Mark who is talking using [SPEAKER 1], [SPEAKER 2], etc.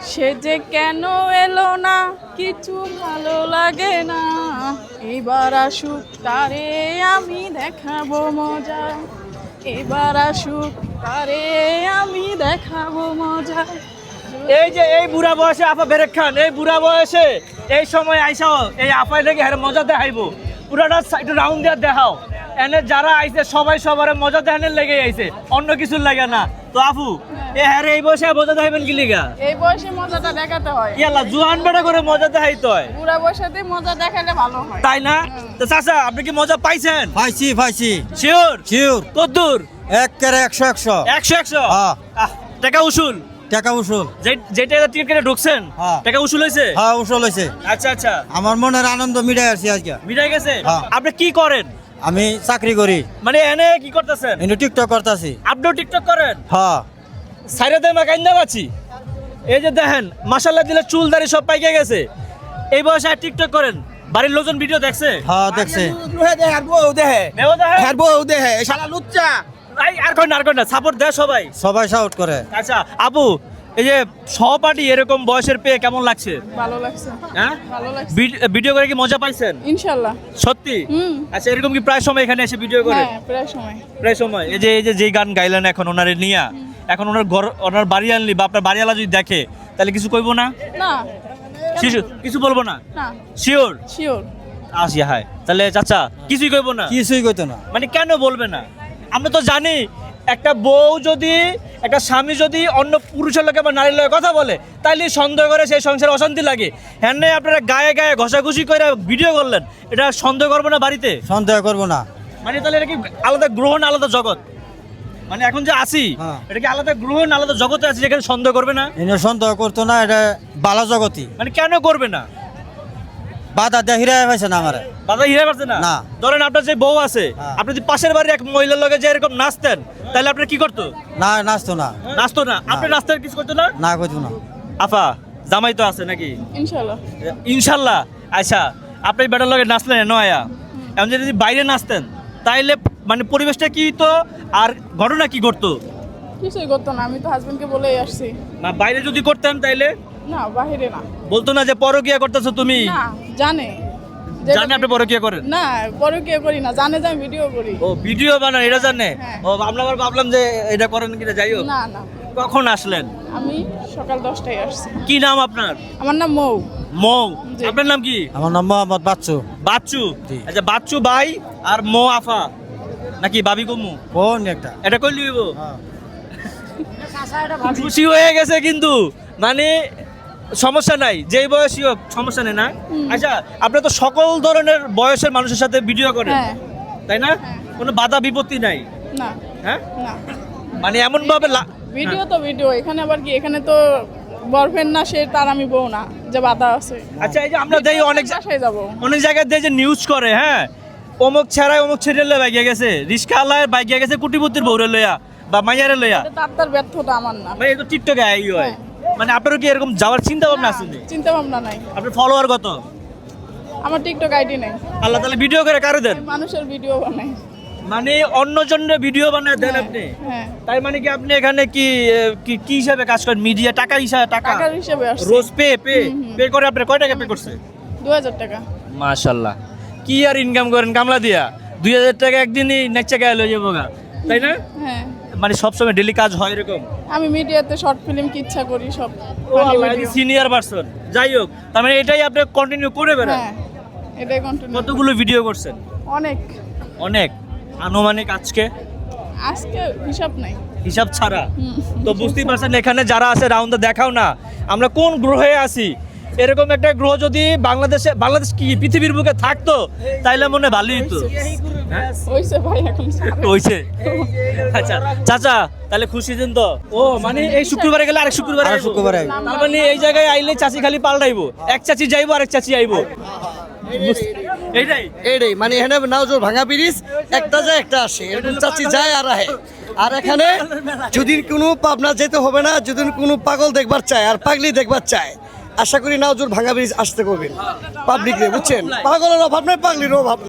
[SPEAKER 1] সে যে কেন এলো না কিছু ভালো লাগে না, এবার আসুক তারে আমি দেখাবো মজা, এবার আসুক তারে আমি দেখাবো মজা।
[SPEAKER 2] এই যে এই বুড়া বয়সে আপা বেরেক খান, এই বুড়া বয়সে এই সময় আইসাও এই আপাই লেগে হ্যাঁ মজা দেখাইবো, পুরাটা একটু রাউন্ড দিয়ে দেখাও। এনে যারা আইছে সবাই সবার মজা দেখানোর লেগে আইছে, অন্য কিছুর লাগে না। তো আপু এ হ্যাঁ এই বয়সে মজা দেখাইবেন কি লিগা?
[SPEAKER 1] এই বয়সে মজাটা দেখাতে হয়,
[SPEAKER 2] ইয়াল্লা জুয়ান বেটা করে মজা দেখাইতে হয়,
[SPEAKER 1] বুড়া বয়সেতে মজা দেখালে ভালো হয়,
[SPEAKER 2] তাই না? তো চাচা আপনি কি মজা পাইছেন?
[SPEAKER 3] পাইছি
[SPEAKER 2] শিওর
[SPEAKER 3] শিওর
[SPEAKER 2] কদ্দুর?
[SPEAKER 3] একেবারে 100
[SPEAKER 2] 100
[SPEAKER 3] হ্যাঁ।
[SPEAKER 2] টাকা উসুল?
[SPEAKER 3] টাকা উসুল।
[SPEAKER 2] যেটা টিকিট কেটে ঢুকছেন
[SPEAKER 3] হ্যাঁ।
[SPEAKER 2] টাকা উসুল হয়েছে?
[SPEAKER 3] হ্যাঁ উসুল হয়েছে।
[SPEAKER 2] আচ্ছা আচ্ছা,
[SPEAKER 3] আমার মনের আনন্দ মিটাই আসছি আজকে।
[SPEAKER 2] মিটাই গেছে?
[SPEAKER 3] হ্যাঁ।
[SPEAKER 2] আপনি কি করেন?
[SPEAKER 3] আমি চাকরি করি,
[SPEAKER 2] মানে এনে কি করতেছেন?
[SPEAKER 3] কিন্তু টিকটক করতেছি।
[SPEAKER 2] আপনিও টিকটক করেন?
[SPEAKER 3] হ্যাঁ
[SPEAKER 2] সাইরে দেমা কাইন্দা বাঁচি। এই যে দেখেন মাশাআল্লাহ দিলে চুল দাড়ি সব পাইকে গেছে, এই বয়সে আর টিকটক করেন। বাড়ির লোকজন ভিডিও দেখছে?
[SPEAKER 3] হ্যাঁ দেখছে।
[SPEAKER 2] মেও দেখে শালা লুচ্চা। আর কই না সাপোর্ট দেয় সবাই।
[SPEAKER 3] সবাই শাউট করে।
[SPEAKER 2] আচ্ছা আপু, এই যে সহপাঠী এরকম বয়সের পেয়ে কেমন লাগছে?
[SPEAKER 1] ভালো লাগছে,
[SPEAKER 2] হ্যাঁ
[SPEAKER 1] ভালো লাগছে
[SPEAKER 2] ভিডিও করে কি মজা পাইছেন?
[SPEAKER 1] ইনশাল্লাহ।
[SPEAKER 2] সত্যি?
[SPEAKER 1] হুম।
[SPEAKER 2] আচ্ছা এরকম কি প্রায় সময় এখানে এসে ভিডিও করে?
[SPEAKER 1] হ্যাঁ প্রায় সময়।
[SPEAKER 2] প্রায় সময়। এই যে যে গান গাইলেন এখন ওনারে নিয়া, এখন ওনার ঘর ওনার বাড়ি আনলি বা আপনার বাড়িওয়ালা যদি দেখে তাহলে কিছু কইবো না?
[SPEAKER 1] না
[SPEAKER 2] কিছু বলবো না?
[SPEAKER 1] না
[SPEAKER 2] শিওর?
[SPEAKER 1] শিওর।
[SPEAKER 2] আসি হাই তাহলে চাচা কিছুই কইবো না?
[SPEAKER 3] কিছুই কইতো না।
[SPEAKER 2] মানে কেন বলবে না? আমরা তো জানি একটা বউ যদি একটা স্বামী যদি অন্য পুরুষের লোকে বা নারীর লোকে কথা বলে তাইলে সন্দেহ করে, সেই সংসারে অশান্তি লাগে। হ্যাঁ আপনারা গায়ে গায়ে ঘষাঘষি করে ভিডিও করলেন, এটা সন্দেহ করবো না বাড়িতে?
[SPEAKER 3] সন্দেহ করবো না।
[SPEAKER 2] মানে তাহলে এটা কি আলাদা গ্রহ না আলাদা জগৎ? মানে এখন যে আসি
[SPEAKER 3] হ্যাঁ।
[SPEAKER 2] এটা কি আলাদা গ্রহ না আলাদা জগতে আছে যেখানে সন্দেহ করবে না?
[SPEAKER 3] এনে সন্দেহ করতো না, এটা বালা জগতি।
[SPEAKER 2] মানে কেন করবে না?
[SPEAKER 3] বাধা দিয়ে হিরাই পাইছে না আমারে।
[SPEAKER 2] বাধা হিরে পারছে না?
[SPEAKER 3] না।
[SPEAKER 2] ধরেন আপনার যে বউ আছে,
[SPEAKER 3] হ্যাঁ।
[SPEAKER 2] আপনি যদি পাশের বাড়ির এক মহিলার লগে যে এরকম নাচতেন তাহলে আপনি কি করতো?
[SPEAKER 3] না নাচতো না।
[SPEAKER 2] নাচতো না? আপনি নাচতেন কিছু করতো না?
[SPEAKER 3] না কইতো না।
[SPEAKER 2] আফা জামাই তো আছে নাকি?
[SPEAKER 1] ইনশাল্লাহ।
[SPEAKER 2] ইনশাল্লাহ। আচ্ছা আপনি বেটার লগে নাচলেন নয়া, এমন যদি বাইরে নাচতেন তাইলে মানে পরিবেশটা কি তো আর ঘটনা কি ঘটতো?
[SPEAKER 1] কিছুই করতো না, আমি তো হাজবেন্ডকে বলেই আসছি।
[SPEAKER 2] না বাইরে যদি করতেন তাইলে
[SPEAKER 1] না বাহিরে না।
[SPEAKER 2] বলতো না যে পরকিয়া করতেছো তুমি?
[SPEAKER 1] না জানে,
[SPEAKER 2] জানে আপনি পরকিয়া করেন?
[SPEAKER 1] না পরকিয়া করি না, জানে যে আমি ভিডিও করি।
[SPEAKER 2] ও ভিডিও বানান এটা জানে?
[SPEAKER 1] হ্যাঁ।
[SPEAKER 2] ও আমরা আবার ভাবলাম যে এটা করেন কিনা, যাই হোক।
[SPEAKER 1] না না,
[SPEAKER 2] কখন আসলেন?
[SPEAKER 1] আমি সকাল 10টায় আসছি।
[SPEAKER 2] কি নাম আপনার?
[SPEAKER 1] আমার নাম মৌ।
[SPEAKER 2] মৌ।
[SPEAKER 1] জি।
[SPEAKER 2] আপনার নাম কি?
[SPEAKER 3] আমার নাম মোহাম্মদ বাচ্চু।
[SPEAKER 2] বাচ্চু?
[SPEAKER 3] জি।
[SPEAKER 2] আচ্ছা বাচ্চু ভাই আর মৌ আফা নাকি বাবি কমু?
[SPEAKER 3] কোন একটা?
[SPEAKER 2] এটা কই লিব? খুশি হয়ে গেছে কিন্তু, মানে সমস্যা নাই, যেই বয়সী হোক সমস্যা নেই না? আচ্ছা আপনি তো সকল ধরনের বয়সের মানুষের সাথে ভিডিও করেন,
[SPEAKER 1] হ্যাঁ।
[SPEAKER 2] তাই না? কোনো বাধা বিপত্তি নাই?
[SPEAKER 1] না
[SPEAKER 2] হ্যাঁ
[SPEAKER 1] না,
[SPEAKER 2] মানে এমন ভাবে
[SPEAKER 1] ভিডিও তো ভিডিও, এখানে আবার কি, এখানে তো বয়ফ্রেন্ড না সে, তার আমি বউ না যে বাধা আছে।
[SPEAKER 2] আচ্ছা এই যে আমরা দেই
[SPEAKER 1] বাসায় যাবো,
[SPEAKER 2] অনেক জায়গায় দেই যে নিউজ করে, হ্যাঁ অমুক ছেড়ায় অমুক ছেড়ে বাইকে গেছে, রিস্কাওয়ালার বাইকে গেছে কুটিপুতির বউরে লইয়া বা মাইয়ারে লইয়া।
[SPEAKER 1] এটা তার ব্যর্থতা, আমার না।
[SPEAKER 2] মানে এই তো টিকটকে আই হয়, মানে আপনারও কি এরকম যাওয়ার চিন্তা ভাবনা আছে?
[SPEAKER 1] চিন্তা ভাবনা নাই।
[SPEAKER 2] আপনার ফলোয়ার কত?
[SPEAKER 1] আমার টিকটক আইডি নেই।
[SPEAKER 2] আল্লাহ তাহলে ভিডিও করে কারো দেন?
[SPEAKER 1] মানুষের ভিডিও বানাই।
[SPEAKER 2] মানে অন্যজনের ভিডিও বানায় দেন আপনি?
[SPEAKER 1] হ্যাঁ।
[SPEAKER 2] তাই মানে কি আপনি এখানে কি কি হিসাবে কাজ করেন? মিডিয়া টাকা হিসাবে?
[SPEAKER 1] টাকার হিসেবে আসছে।
[SPEAKER 2] রোজ পে করে আপনি কয় টাকা পে করছে?
[SPEAKER 1] 2000 টাকা।
[SPEAKER 2] মাশাআল্লাহ, কি আর ইনকাম করেন কামলা দিয়া? 2000 টাকা একদিনই নেচে গেল লয়ে যাবো গা, তাই না?
[SPEAKER 1] হ্যাঁ,
[SPEAKER 2] মানে সবসময় ডেলি কাজ হয় এরকম?
[SPEAKER 1] আমি মিডিয়াতে শর্ট ফিল্ম কি ইচ্ছা করি সব।
[SPEAKER 2] ও আল্লাহ, সিনিয়র পারসন। যাই হোক, তার মানে এটাই আপনি কন্টিনিউ করে বেড়ান?
[SPEAKER 1] হ্যাঁ, এটাই কন্টিনিউ।
[SPEAKER 2] কতগুলো ভিডিও করছেন?
[SPEAKER 1] অনেক।
[SPEAKER 2] অনেক। আনুমানিক আজকে
[SPEAKER 1] আজকে হিসাব নাই।
[SPEAKER 2] হিসাব ছাড়া? তো বুঝতেই পারছেন এখানে যারা আছে রাউন্ডে দেখাও না আমরা কোন গ্রহে আছি। এরকম একটা গ্রহ যদি বাংলাদেশ কি পৃথিবীর বুকে থাকতো তাইলে মনে ভালোই হতো।
[SPEAKER 1] হইছে ভাই, এখন
[SPEAKER 2] হইছে। আচ্ছা চাচা তাহলে খুশি দিন তো? ও মানে এই শুক্রবারে গেলে আরেক শুক্রবারে
[SPEAKER 3] আরেক শুক্রবারে আইবো।
[SPEAKER 2] তার মানে এই জায়গায় আইলে চাচি খালি পাল্টাইবো, এক চাচি যাইবো আরেক চাচি আইবো,
[SPEAKER 4] এইটাই মানে এখানে নাওজোর ভাঙা ব্রিজ একটা যায় একটা আসে, এরকম চাচি যায় আর আহে। আর এখানে যদি কোনো পাবনা যেতে হবে না, যদি কোনো পাগল দেখবার চায় আর পাগলি দেখবার চায়, আশা করি নাওজোর ভাঙা ব্রিজ আসতে করবেন পাবলিক রে, বুঝছেন? পাগলের অভাব নাই, পাগলির অভাব।